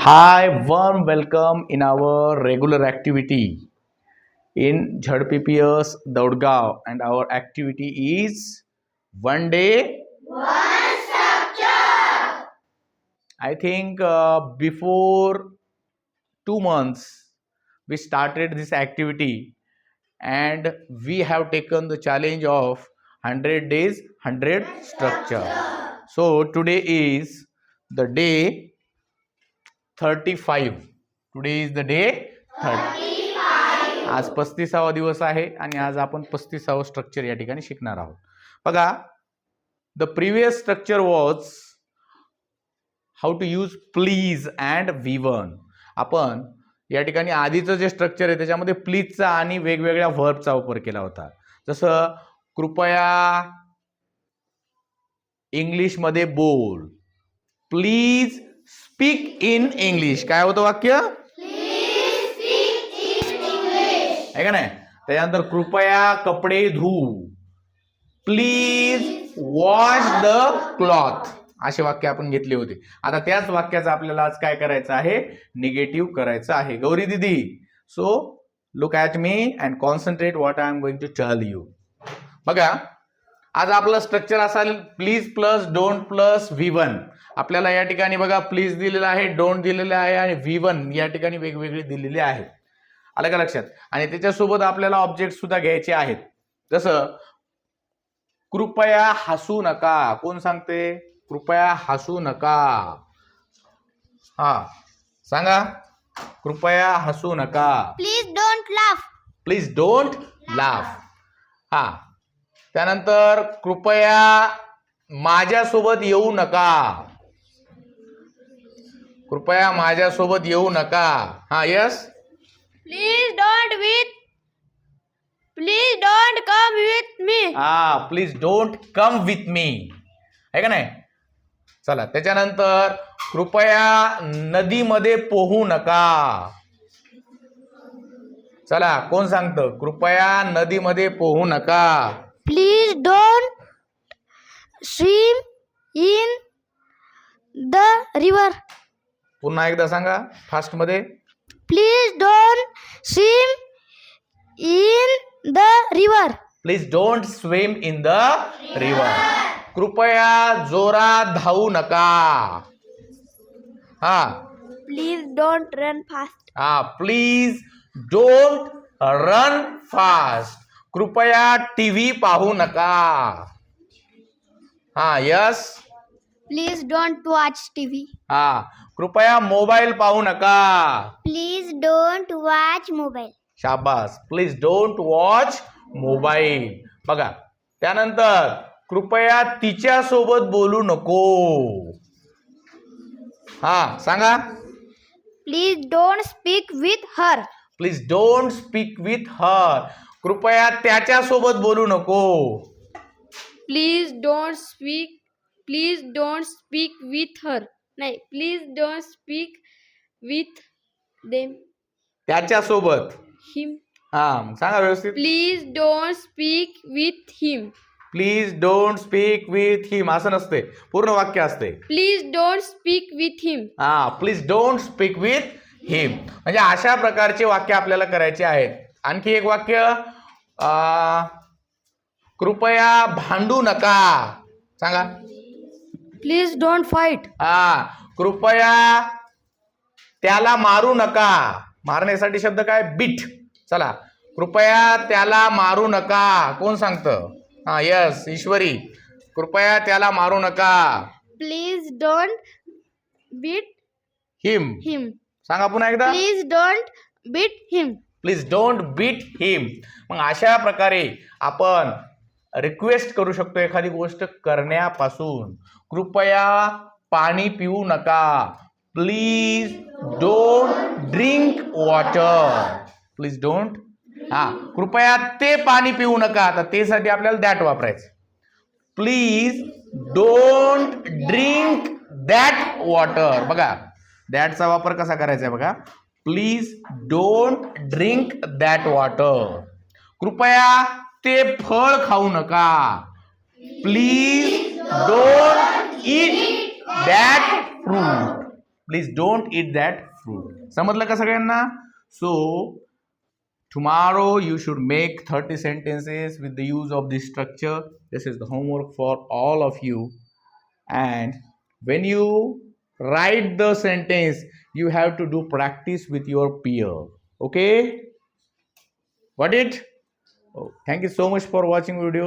Hi, warm welcome in our regular activity in ZPPS Daudgaon, and our activity is one day. I think before 2 months we started this activity, and we have taken the challenge of 100 days, 100 structure. So today is the day 35. Today is the day 30. आज 35वा दिवस आहे आणि आज आपण 35वा structure या ठिकाणी शिकणार आहोत. बघा, the previous structure was how to use please and V1. आपण या ठिकाणी आधीचं जे स्ट्रक्चर आहे त्याच्यामध्ये प्लीजचा आणि वेगवेगळ्या व्हर्बचा वापर केला होता. जसं कृपया इंग्लिशमध्ये बोल, प्लीज स्पीक इन इंग्लिश. काय होतं वाक्य? आहे का नाही? त्याच्यानंतर कृपया कपडे धू, प्लीज वॉश द क्लॉथ, असे वाक्य आपण घेतले होते. आता त्याच वाक्याचं आपल्याला आज काय करायचं आहे? निगेटिव्ह करायचं आहे. गौरी दिदी, so look at me and concentrate what I am going to tell you. बघा, आज आपलं स्ट्रक्चर असेल please plus don't plus V1. आपल्याला या ठिकाणी बघा प्लीज दिलेलं आहे, डोंट दिलेलं आहे आणि V1 या ठिकाणी वेगवेगळे दिलेले आहेत. आलं का लक्षात? आणि त्याच्यासोबत आपल्याला ऑब्जेक्ट सुद्धा घ्यायचे आहेत. जसं कृपया हसू नका. कोण सांगते? कृपया हसू नका. हा, सांगा. कृपया हसू नका. Please don't laugh. Please don't laugh. हा, त्यानंतर कृपया माझ्यासोबत येऊ नका. कृपया माझ्यासोबत येऊ नका. हा, yes. Please don't come with me. हा, please don't come with me, आहे का नाही? चला, त्याच्यानंतर कृपया नदीमध्ये पोहू नका. चला, कोण सांगतं? कृपया नदीमध्ये पोहू नका. Please don't swim in the river. पुन्हा एकदा सांगा फास्ट मध्ये. Please don't swim in the river. Please don't swim in the river. कृपया जोरात धावू नका. हा, प्लीज डोंट रन फास्ट. हा, प्लीज डोंट रन फास्ट. कृपया टीव्ही पाहू नका. हा, yes. Please don't watch TV. हा, कृपया मोबाईल पाहू नका. Please don't watch mobile. शाबास. Please don't watch mobile. बघा, त्यानंतर कृपया तिच्या सोबत बोलू नको. हा, सांगा. Please don't speak with her. Please don't speak with her. कृपया त्याच्या सोबत बोलू नको. Please don't speak with her. नाही, please don't speak with them. त्याच्या सोबत. हिम. हा, सांगा व्यवस्थित. Please don't speak with him. Please don't speak with him असं नसते, पूर्ण वाक्य असते. Please don't speak with him. हा, please don't speak with him. म्हणजे अशा प्रकारचे वाक्य आपल्याला करायचे आहेत. आणखी एक वाक्य, कृपया भांडू नका. सांगा. Please don't fight. हा, कृपया त्याला मारू नका. मारण्यासाठी शब्द काय? बीट. चला, कृपया त्याला मारू नका. कोण सांगतं? हा, यस, ईश्वरी. कृपया त्याला मारू नका. Please don't beat him. Him. सांगा पुन्हा एकदा. Please don't beat him. Please don't beat him. मग अशा प्रकारे आपण रिक्वेस्ट करू शकतो एखादी गोष्ट करण्यापासून. कृपया पाणी पिऊ नका. Please don't drink water. Please don't. हा, कृपया ते पाणी पिऊ नका. तर ते साठी आपल्याला दॅट वापरायचं. Please don't drink that water. बघा, दॅटचा वापर कसा करायचा आहे बघा. Please don't drink that water. कृपया ते फळ खाऊ नका. Please don't eat that fruit. Please don't eat that fruit. समजलं का सगळ्यांना? So tomorrow you should make 30 sentences with the use of this structure. This is the homework for all of you. And when you write the sentence, you have to do practice with your peer. Okay? Got it? Oh, thank you so much for watching video.